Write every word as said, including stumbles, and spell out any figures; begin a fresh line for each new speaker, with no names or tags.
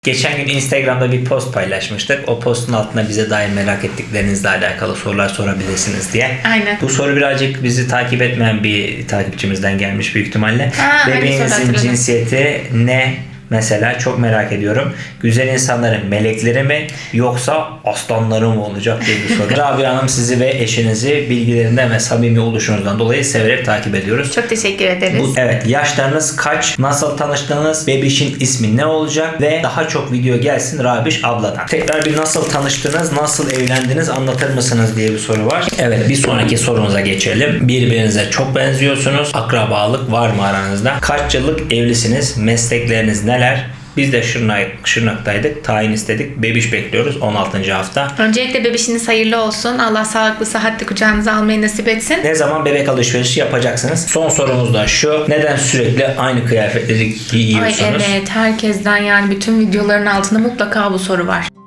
Geçen gün Instagram'da bir post paylaşmıştık. O postun altına bize dair merak ettiklerinizle alakalı sorular sorabilirsiniz diye.
Aynen.
Bu soru birazcık bizi takip etmeyen bir takipçimizden gelmiş büyük ihtimalle.
Ha,
Bebeğinizin cinsiyeti ne? Mesela çok merak ediyorum. Güzel insanların melekleri mi yoksa aslanları mı olacak diye bir soru. Rabia Hanım, sizi ve eşinizi bilgilerinden ve samimi oluşunuzdan dolayı severek takip ediyoruz.
Çok teşekkür ederiz.
Bu, evet, yaşlarınız kaç? Nasıl tanıştınız? Bebişin ismi ne olacak? Ve daha çok video gelsin Rabiş abladan. Tekrar bir nasıl tanıştınız? Nasıl evlendiniz? Anlatır mısınız diye bir soru var. Evet, bir sonraki sorumuza geçelim. Birbirinize çok benziyorsunuz. Akrabalık var mı aranızda? Kaç yıllık evlisiniz? Meslekleriniz neler? Biz de Şırnak, Şırnak'taydık. Tayin istedik. Bebiş bekliyoruz on altıncı hafta.
Öncelikle bebişiniz hayırlı olsun. Allah sağlıklı, sıhhatli kucağınıza almayı nasip etsin.
Ne zaman bebek alışverişi yapacaksınız? Son sorumuz da şu. Neden sürekli aynı kıyafetleri giyiyorsunuz?
Ay evet, herkesten yani bütün videoların altında mutlaka bu soru var.